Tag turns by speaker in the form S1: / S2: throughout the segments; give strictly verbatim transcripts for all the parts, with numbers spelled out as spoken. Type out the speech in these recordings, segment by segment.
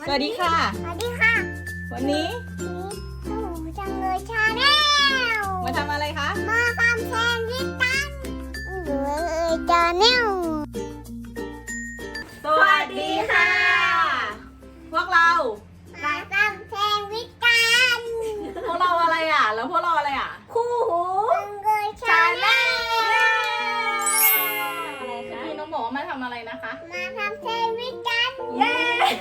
S1: สวัสดีค่ะ
S2: สวัสดีค่ะ
S1: วันนี้
S2: หนูจังเลยชาแนล
S1: มาทำอะไรคะ
S2: มาทำแซนด์วิชกันหนูเลยชาแนล
S1: สวัสดีค่ะ พวกเรา
S2: มาทำแซนด์วิชกัน
S1: พวกเราอะไรอ่ะ แล้วพวกเราอะไรอ่ะ คู่หู
S2: จังเลยชาแนล
S1: อะไรคะพี่น้องบอกว่ามาทำอะไรนะคะ
S2: มาทำแซนด์วิชกัน
S1: เย้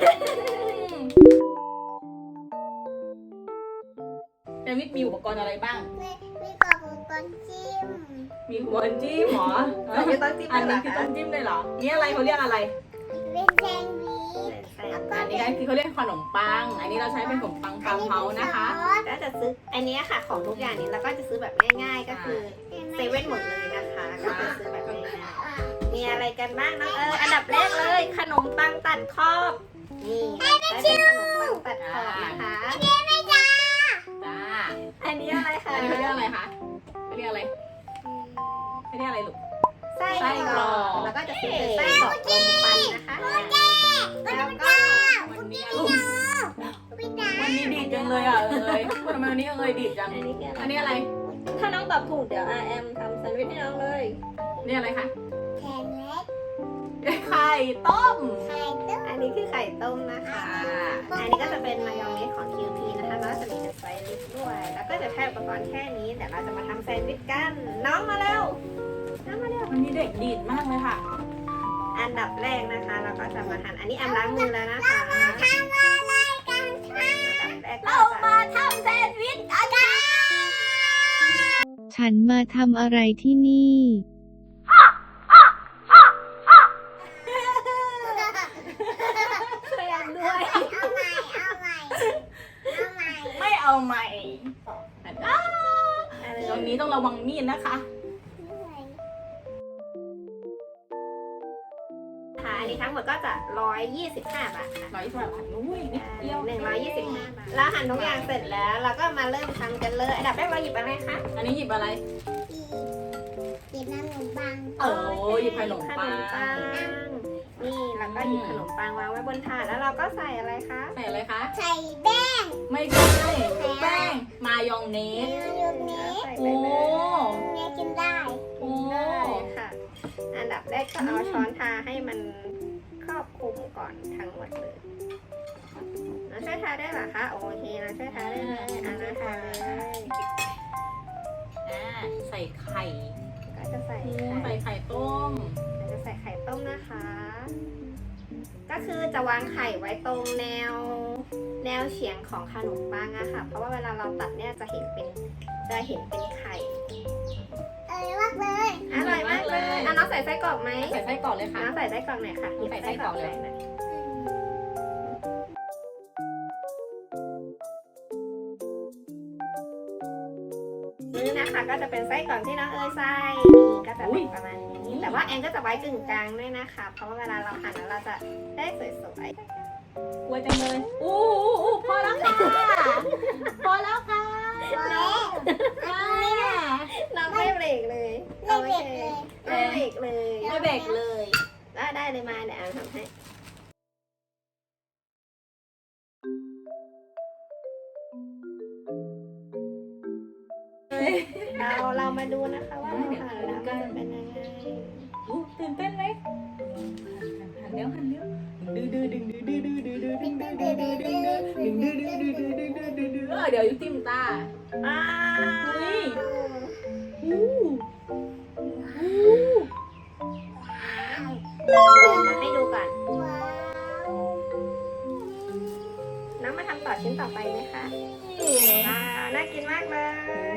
S1: เดวิดมีอุปกรณ์อะไรบ้าง
S2: มีมีกรอบอุปกรณ์จิ้ม
S1: มีหัวจิ้มหรอ
S3: อันนี้ต้องจิ้ม
S1: อัน
S3: ด้วยเหร
S1: นี้
S3: อ
S1: คือ
S3: คะ
S1: ต้องจิ้มเลยเหรอ นี่อะไรเขาเรียกอะไร
S2: เป็นแซนด์วิชแล้วก็
S1: อันนี้ก็คือเขาเรียกขนมปัง อันนี้เราใช้เป็นขนมปังฟาร์มเฮาส์นะคะ
S3: ก็จะซื้ออันนี้ค่ะของทุกอย่างนี้แล้วก็จะซื้อแบบง่ายๆก็คือเซเว่นหมดเลยนะคะก็จะซื้อแบบง่ายๆมีอะไรกันบ้างน้องเอออันดับแรกเลยขนมปังตัดขอบนี่ได้เป็นขนมปังตัดขอบนะคะ
S2: ไม่จ้า
S1: จ้า
S3: อันนี้อะไรคะ
S1: อันนี้เขาเรียกอะไรคะเขาเรียกอะไรเขาเรียกอะไรลูก
S3: ไส้
S1: ไส้
S3: ก
S1: ก
S3: ร
S1: ร
S3: อ
S1: อก
S3: กแล้วก็จะซื้อเป็นไส้กรอกลมปันนะคะแล้วก็
S1: วันนี้ลูก
S2: ไม่จ้า
S1: วันนี้ดีดจังเลยอ่ะเอ้ยทำไมวันนี้เอ้ยดีดจัง
S3: อันนี้คือ
S1: อั
S3: อั
S1: น
S3: น
S1: นี้
S3: นี้
S1: อะไร
S3: ถ้าน้องตอบถูกเดี๋ยว อาร์ เอ็ม ทำแซนด์วิชให้น้องเลย
S1: นี่อะไรคะ
S2: แคนเล็ก
S1: ไข่ต้ม
S2: ไข่ต้ม
S3: อันนี้คือไข่ต้มนะคะ อันนี้ก็จะเป็นมายองเนสของ คิว พี นะคะแล้วก็จะมีเป็นไซริสด้วย แล้วก็จะแค่อุปกรณ์แค่นี้แต่เราจะมาทำแซนด์วิชกัน น้องมาเร็ว น้องมาเร็ว
S1: วันนี้เด็กดีดมากเลยค่ะ
S3: อันดับแรกนะคะ เราก็จะมาทำอันนี้แอมล้างมือแล้วนะคะ
S2: ทำอะไรกันคะ
S3: อันดับแรกก็
S1: เรา
S3: จะ
S1: มาทำแซนด์วิชกันค่ะ
S4: ฉันมาทำอะไรที่นี่
S3: ช่วยแอมด้วย
S2: เอาใหม่เอาใหม่เอาใหม่
S1: ไม่เอาใหม่อ่ะ
S3: อะไร
S1: ตรงนี้ต้องระวังมีดนะคะ
S3: ค่ะอันนี้ทั้งหมดก็จะร้อยยี่สิบห้าบาทค่ะ
S1: ร้อยสิบบาทอุ้ยนิดเดียว
S3: หนึ่งร้อยยี่สิบห้าบาทเราหั่นทุกอย่างเสร็จแล้ว เราก็มาเริ่มทำกันเลย อันดับแรกเราหยิบอะไรคะ
S1: อันนี้หยิบอะไร
S2: จีบน้ำหนมปัง
S1: เออหยิบขนมปัง
S3: ขนมปังนี่แล้วก็หยิบขนมปังวางไว้บนถาดแล้วเราก็ใส่อะไรคะ
S1: ใส่อะไรคะ
S2: ใส่แป้ง
S1: ไม่ใช่แป้งมายองเน
S2: เน
S1: ส
S2: ยนี้
S3: ใส่ไป
S1: โอ้
S3: เลย
S2: เนยกินได้
S1: โอ้
S3: ได้ค่ะ อันดับแรกก็เอาช้อนทาให้มันครอบคลุมก่อนทั้งหมดเลยเราช่วยทาได้เหรอคะโอเคเราช่วยทาได้เลยอันนั้นทาเลย
S1: อ่าใส่ไข่
S3: ก็จะใส่
S1: ใส่
S3: ไข่
S1: ไข่ต้ม
S3: เราจะใส่ไข่ต้มนะคะ ก็คือจะวางไข่ไว้ตรงแนว แนวเฉียงของขนมปังอะค่ะ เพราะว่าเวลาเราตัดเนี่ยจะเห็นเป็นจะเห็นเป็นไข่
S2: เอ้ยมากเลย
S3: อร่อยมากเลยอ่ะน้องใส่ไส้กรอกไหม
S1: ใส่ไส้กรอกเลยค่ะ
S3: น้องใส่ไส้กรอกหน่อยค่ะ
S1: ใส่ไส้กรอกเลย
S3: หน่อยนี่นะคะก็จะเป็นไส้กรอกที่น้องเอ๋ยใส่นี่ก็จะเป็นประมาณนี้ แต่ว่าแอนก็จะไว้กึ่งกลางด้วยนะคะ เพราะว่าเวลาเราหั่นแล้วเราจะได้สวย
S1: กลัวจังเลยอู้อู้อู้พอแล้วค่ะ พอแล้วค่ะ
S2: พอแล้ว
S1: อ่า
S3: ๆเราไม่เบรกเลย
S2: ไม่เบรกเลย
S3: ไม่เบรกเลย
S1: ไม่เบรกเลย
S3: ได้ได้เลยมาเดี๋ยวแอนทำให้ เราเรามาดูนะคะว่าเราหั่นแล้วมันจะเป็นยังไง
S1: อู้ตื่นเต้นไหมหันเร็วหันเร็วดื้อดื้อดึงดื้อดื้อดื้อดื้อดื้อดึงดื้อดื้อดื้อดึงดื้อดึงดื้อดื้อดื้อดื้อดื้อดื้อดื้อดื้อเออเดี๋ยวจิ้มตา
S3: อ่า
S1: เฮ้ยอู้อู้
S3: มาให้ดูก่อน
S2: ว้าว
S3: น้องมาทำต่อชิ้นต่อไปไหมคะว้าวน่ากินมากเลย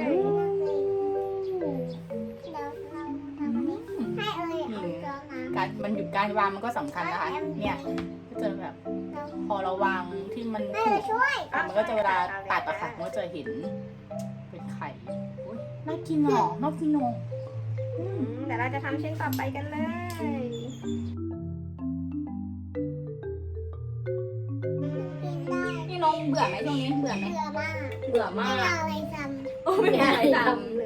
S2: เราเราทำอันนี้ให้เอ้ยเอาจอมา
S1: การมันหยุดการวางมันก็สำคัญนะคะ เนี่ยก็จะแบบ
S2: เรา
S1: พอเราวางที่มัน
S2: ให้
S1: ถู
S2: เรา
S1: ก
S2: ช่วย
S1: อ่ะมันก็จะเวลาตัดอะค่ะมันก็จะเห็นเป็นไข่อุ๊ยน่ากินหรอน่ากินหรอ
S3: อืมเดี๋ยวเราจะทำชิ้นต่อไปกันเลย
S2: กินได้
S1: นี่น้องเบื่อไหมช่วงนี้เบื่อไหม
S2: เบื่อมาก
S1: เบื่อ
S2: ไม่
S1: มาก
S2: เอาอะไรจ
S1: โอ้ไม่มีอะไรท
S3: เลย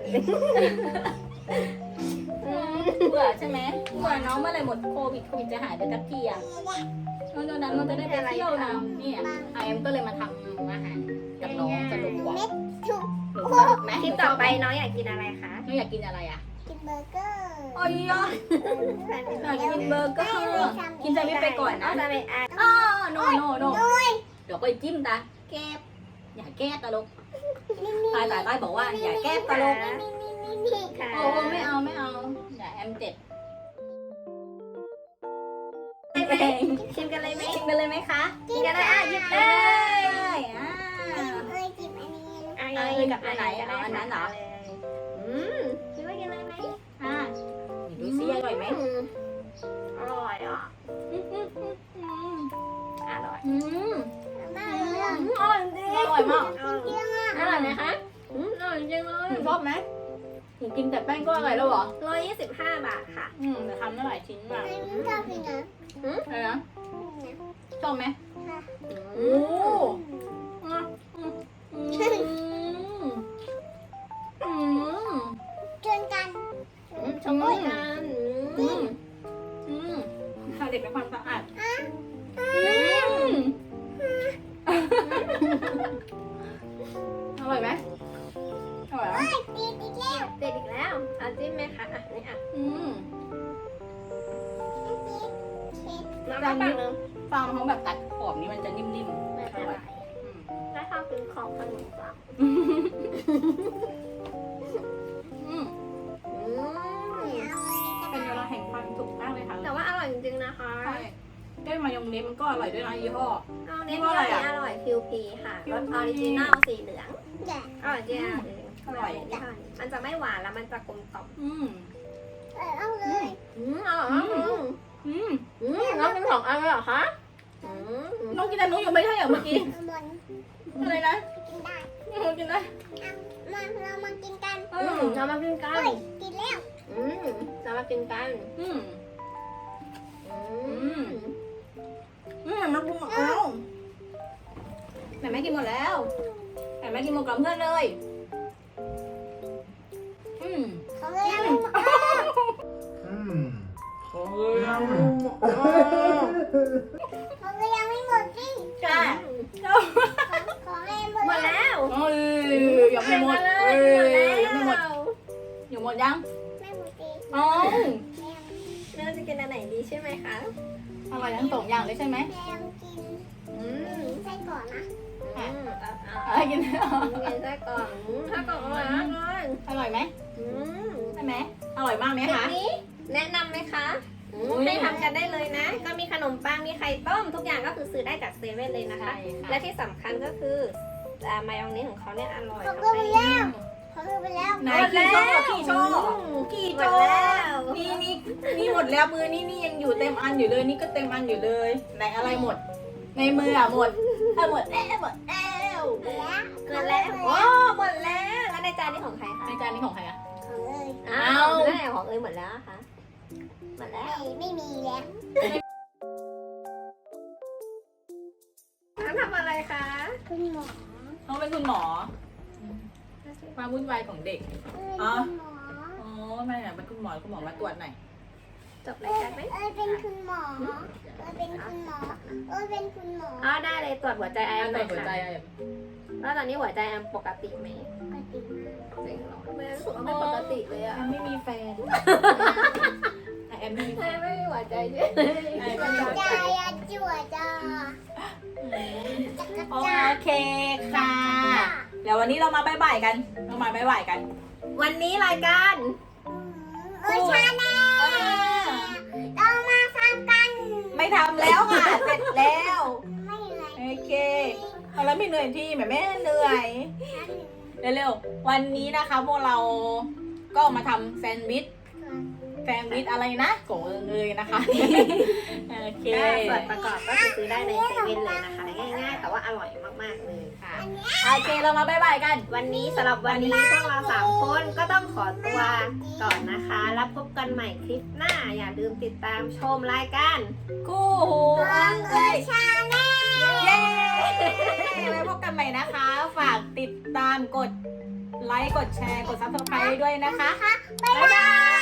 S1: ำเบื่อใช่ไหมเบื่อน้องเมื่อไหรหมดโควิดโควิดจะหายไปสักทีอะ
S2: ำ
S1: แล้วตอนนั้นเราจะได้ไปเที่ยวนะเนี่ยไอเอ็มก็เลยมาทำอาหารกับน้องสนุกกว่า
S2: เม็ดถูก
S1: หนูสนุกไหม
S3: คลิปต่อไปน้องอยากกินอะไรคะ
S1: น้องอยากกินอะไรอ่ะ
S2: กินเบอร์เกอร์
S1: โอ้ยอ่ะอยากกินเบอร์เกอร์กินแซนด์วิชไปก่อนนะ
S3: จะไปอ่ะ
S1: อ๋อโนโนโนเดี๋ยวไปจิ้มตาแก้อย่าแก้ตลกตายตายตายบอกว่าอย่าแก้ตลก
S2: นี่นี่นี่นี่
S3: ค่ะ
S1: โอ้ไม่เอาไม่เอาอย่าแอมเจ็บ
S3: ชิมกันเลยไหม
S1: ชิมกันเลยไหมคะ
S3: กินกันเลยอ่ะหยิบเล
S1: ได้
S3: ย
S1: อ่า
S2: เอ้ยจิบอันนี้
S3: อ่ะ
S1: เอา
S3: กิน
S1: กั
S3: กั
S1: บบ อันไหนเอาอันนั้นเหรอ
S3: อืมคิดว่ากินเลยไหม
S1: อ่าดูซิอร่อยไหม
S3: อืมอร่อยอ่ะ
S1: อืมอืมอืมอืม
S3: อร่อย
S1: อืม
S2: มา
S1: อ
S2: เรื่อง
S1: ร่อยจริงอร่อยมาก
S3: อร่อย
S2: เรื่องอ่ะ
S3: อร่อยไหมคะอืมอร่อยจริงเลย
S1: หนูชอบไหมหนูกินแต่แป้งก็อร่อยแล้วเหรอ
S3: ร้อยยี่สิบห้าบาทค่ะ
S1: อืมแต่ทำได้หลายชิ้นมาก
S2: ไม่ชอบกินนะ
S1: อะไรนะชอบไหม
S2: ค่ะ
S1: โอ้อืมอืมอืมอืม
S2: ชวนกัน
S3: อืมชมพู่กันอื
S1: อื
S3: ม
S1: มอืมทำเด็กเป็นความสะอาด
S2: อ่ะ
S1: อืมอร่อยไหมอร่อยไหม
S2: เอ้ยตีอีกแล้ว
S3: เด็ดอีกแล้วเอาจิ้มไหมคะอ่ะนี่อ่ะ
S1: อืม
S3: น้ำปังนึง
S1: ฟางเขาแบบตัดขอบนี้มันจะนิ่ม
S3: ไม่
S1: ๆ
S3: เป็น
S1: อ
S3: ไร
S1: ร่อยอืม
S3: ถ้าชอบกินของขนมปัง
S1: อืม
S3: อืม
S1: เป็นเวลาแห่งความสุขมากเลยค่ะ
S3: แต่ว่าอร่อยจริงๆนะคะ
S1: ใช่ได้มายองเนสมันก็อร่อยด้วยนะยี่ห้อ
S3: เอาเน้น
S1: ว่า
S3: ที่
S1: อะไร
S3: อัน
S1: อ่ะ
S3: นี้อร่อยคิวพีค่ะรสออริจินัลสีเหลือง
S2: แกะ
S3: อร่อยจริงอ่ะ
S1: อร่อย
S3: มันจะไม่หวานแล้วมันจะกลมกล่อม
S1: อืม
S2: เออเอาเลย
S3: อืมอร่อยมากอืม
S1: อืม
S3: อืมน้องกินสองอันเลยเหรอคะอืม
S1: น้องกินแต่หนูอยู่ไม่ใช่เหรอเมื่อกี้
S2: เอาบน
S1: อะไรนะ
S2: กินได้
S1: น้องกินได้
S2: มาเรามากินกัน
S1: เอ
S3: อื
S1: อ
S3: มเรามากินกั
S2: เฮ้
S3: น
S2: ยกินแล้ว
S3: อืมเรามากินกัน
S1: อืม
S3: อืม
S1: อืมมากินหมดแล้วแต่แม่กินหมดแล้วแต่แม่กินหมดกับเพื่อนเลยอืม
S2: เขาเลยยัง
S5: Hmm.
S1: โอ้ย
S2: เขาเลยยังไม่หมดสิ
S1: ใช่
S2: ขอให้หมด
S3: หมดแล้ว
S1: เอ้ยยังไม่หมด
S3: เล
S1: เอ้
S3: ย
S1: ย
S3: หมด
S1: ยังไม่หมด
S3: แล้ว
S1: อยู่หมดยัง
S2: ไม่หมดสิ
S1: อ๋อ
S2: แม่
S3: เราจะกินอันไหนดีใช่ไหมคะ
S1: อร่อยทั้งสองอย่างเลยใช่ไหม
S2: แม่ยังกิน
S3: อืม
S2: ไส้ก่อนนะ
S3: อืมเอาเอา
S1: อะไรกิน
S3: กินไส้กรอกอืมไส้กรอกอร่อยมากเลย
S1: อร่อยไหม
S3: อืม
S1: ใช่ไหมอร่อยมากไหม
S3: คลิป
S1: คะ
S3: นี้แนะนำไหมคะอืม
S1: อุ๊ย
S3: ให้ทำกันได้เลยนะ ก็มีขนมปัง มีไข่ต้ม ทุกอย่างก็คือซื้อได้จากเซเว่นเลยนะคะ
S1: ใช่ค่ะ
S3: และที่สำคัญก็คืออ่ามายองเนสของเขาเนี่ยอร่อย
S2: เขา
S3: ทำ
S2: ก็
S3: ให้
S2: ไปแล้วเขาก็ไปแล้ว
S1: ไหนกี่โชว์กี่โชว์
S3: อืม
S1: กี่
S3: หม
S1: โช
S3: ด
S1: ว์
S3: แล้ว
S1: นี่นี่นี่หมดแล้วมือนี่นี่ยังอยู่เต็มอันอยู่เลย นี่ก็เต็มอันอยู่เลยไหนอะไรหมด ในมืออะหมดเออหมดแล้วหมดแล้ว
S2: หมดแล้ว
S3: หมดแล้วโอ้หมดแล้ว แล้วในจานนี้ของใครคะ
S1: ในจานนี้ของใครอะ
S2: เขาเลย
S3: อ้าวแล้วไหนของเอ้ยหมดแล้วอะคะหมดแล้ว
S2: ไม่ไม่มีแล้ว
S3: น้ำทำอะไรคะ
S2: คุณหมอ
S1: น้องเป็นคุณหมอความวุ่นวายของเด็ก
S2: เอ้ยคุณหมอ
S1: อ๋อไม่อะเป็นคุณหมอคุณหมอมาตรวจหน่อย
S3: จบรายการไหม
S2: เอ้ยเป็นคุณหมอเอ้ยเป็นคุณหมอเอ้ยเป็นคุณหมอ
S3: อ๋อได้เลยตรวจหัวใจไอ
S1: ไอ้
S3: แอมห
S1: ตร
S3: น่
S1: ว
S3: อ
S1: จ
S3: ย
S1: หัวใจ
S3: ค่ะ
S1: อะ
S3: แล้วตอนนี้หัวใจแอมปกติไหม
S2: ปกติมาก
S3: จริงเหรอทำไมรู้สึกว่าไม่ปกติเลย
S1: แอ
S3: อะ
S1: มไม่มีแฟนแอมไม่มีแฟ
S3: ทำไม
S1: น
S3: ไม่มีหัวใจด้วย
S1: ไอ้ไม่มีหัว
S2: ใจ
S1: ใจ
S2: อะจั่วจ้าจักร
S1: โอ
S2: จ้า
S1: เคค่ะ เดี๋ยววันนี้เรามาบ่ายๆกัน เรามาบ่ายๆกัน
S3: วันนี้รายการ
S2: เอ้ยชาแนลเรามาทำกัน
S1: ไม่ทำแล้วค่ะ เสร็จแล้ว
S2: ไม่เลย
S1: โอเคเอาแล้วไม่เหนื่อยที่แม่แม่เหนื่อย เร็วๆ วันนี้นะคะพวกเราก็มาทำแซนด์วิช แซนด์วิชอะไรนะโกงเงยนะคะ โอเค
S3: ก็ส่วนประกอบก็คือซื้อได้ในเซเว่นเลยนะคะ ง่ายๆ แต่ว่าอร่อยมากๆเลยค่ะ
S1: โอเคเรามาบ๊ายบายกัน
S3: วันนี้สำหรับวันนี้พวกเราสามคนก็ต้องขอตัวก่อนนะคะ แล้วพบกันใหม่คลิปหน้า อย่าลืมติดตามชมรายการ
S1: คู่หู
S2: ฟั
S1: อั
S2: ง
S1: ง
S2: เอ้
S1: เอ้
S2: ย
S1: ย
S2: ชาแนล
S1: เย้ไว้พบกันใหม่นะคะ ฝากติดตามกดไลค์ กดแชร์ กดซับสไครต์ด้วยนะคะ
S2: บ๊ายบาย